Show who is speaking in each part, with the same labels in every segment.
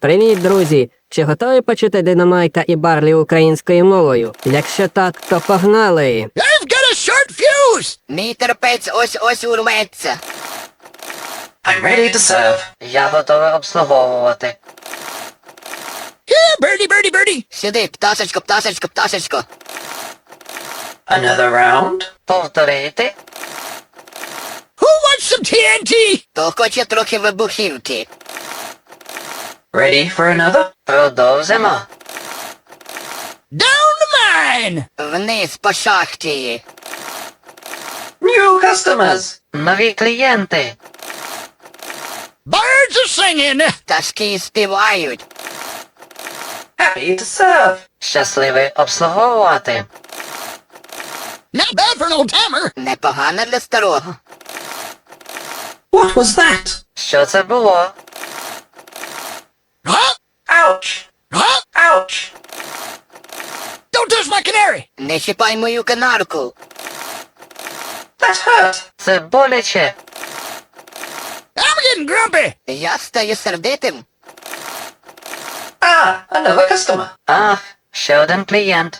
Speaker 1: Привіт, друзі! Чи готові почути Динамайта і Барлі українською мовою? Якщо так, то погнали!
Speaker 2: I've got a short fuse!
Speaker 3: Мій терпець ось урветься.
Speaker 4: I'm ready to serve.
Speaker 5: Я готовий обслуговувати.
Speaker 2: Here, birdie, birdie, birdie!
Speaker 3: Сюди, пташечко, пташечко, пташечко.
Speaker 4: Another round.
Speaker 5: Повторити.
Speaker 2: Who wants some TNT?
Speaker 3: То хоче трохи вибухівки.
Speaker 4: Ready for another?
Speaker 5: Продовжимо.
Speaker 2: Down the mine!
Speaker 3: Вниз по шахті.
Speaker 4: New customers.
Speaker 5: Нові клієнти.
Speaker 2: Birds are singing!
Speaker 3: Пташки співають.
Speaker 4: Happy to serve.
Speaker 5: Щасливий обслуговувати.
Speaker 2: Not bad for an old timer!
Speaker 3: Непогано для старого.
Speaker 4: What was that?
Speaker 5: Що це було?
Speaker 2: Huh?
Speaker 4: Ouch.
Speaker 2: Huh?
Speaker 4: Ouch.
Speaker 2: Don't touch my canary!
Speaker 3: Не чіпай мою канарку.
Speaker 4: That hurt.
Speaker 5: Це боляче.
Speaker 2: I'm getting grumpy!
Speaker 3: Я стаю сердитим.
Speaker 4: Ah, another customer.
Speaker 5: Ах, ще один клієнт.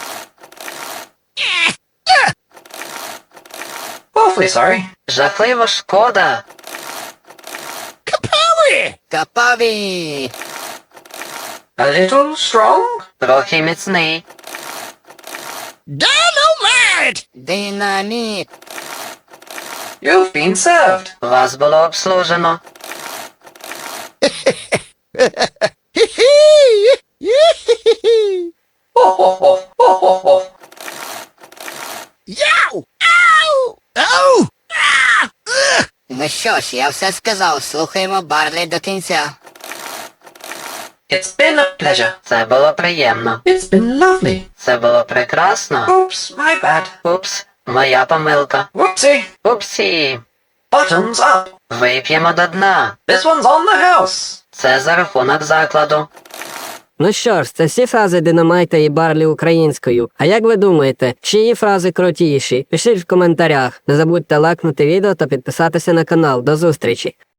Speaker 4: Awfully sorry.
Speaker 5: Жахливо шкода.
Speaker 2: Kapowie!
Speaker 3: Капаві!
Speaker 4: A little strong.
Speaker 5: Трохи міцний.
Speaker 2: Dynamite!
Speaker 3: Динаміт!
Speaker 4: You've been served.
Speaker 5: Вас було обслужено.
Speaker 4: Oh, oh, oh, oh, oh, oh.
Speaker 2: Yow! Ow! Oh! Ah! Ugh!
Speaker 3: Ну що ж, я все сказав. Слухаємо Барлі до кінця.
Speaker 4: It's been a pleasure.
Speaker 5: Це було приємно.
Speaker 4: It's been lovely.
Speaker 5: Це було прекрасно.
Speaker 4: Oops, my bad.
Speaker 5: Упс, моя помилка.
Speaker 4: Whoopsie.
Speaker 5: Упсі.
Speaker 4: Bottoms up.
Speaker 5: Вип'ємо до дна.
Speaker 4: This one's on the house.
Speaker 5: Це за рахунок закладу.
Speaker 1: Ну що ж, це всі фрази Динамайта і Барлі українською. А як ви думаєте, чиї фрази крутіші? Пишіть в коментарях. Не забудьте лайкнути відео та підписатися на канал. До зустрічі!